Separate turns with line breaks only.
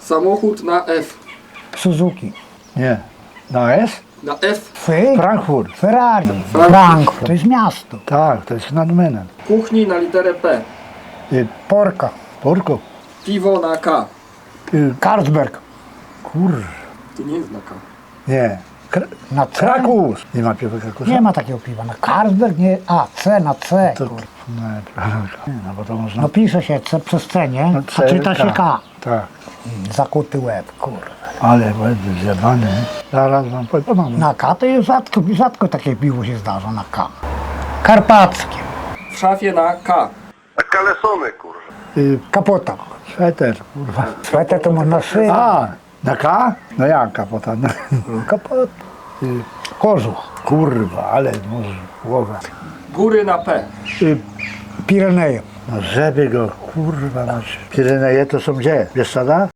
Samochód na F.
Suzuki.
Nie. Na S?
Na F.
Frankfurt.
Ferrari. Frankfurt. To jest miasto.
Tak, to jest nad Menem.
Kuchni na literę P.
Porka.
Porko.
Piwo na K.
Carlsberg.
To nie jest na K.
Nie.
Na C.
Krakus. Nie ma piwa Krakusa?
Nie ma takiego piwa. Na Carlsberg nie. A, C na C.
To,
Kur.
nie, no bo to można...
No pisze się C przez C, nie?
No,
A czyta się K.
Tak.
Zakuty łeb, kur.
Ale będę zjebany. Zaraz wam powiem.
Na K to jest rzadko takie piwo się zdarza na K. Karpackie.
W szafie na K.
A kalesony, kurwa.
Kapota.
Sweter, kurwa.
Sweter to można szyć.
A, na K? No jak kapota? No.
Kapota. Kożuch.
Kurwa, ale może głowa.
Góry na P.
Pireneje.
No żeby go, kurwa, masz. Pireneje to są gdzie? Bieszczada?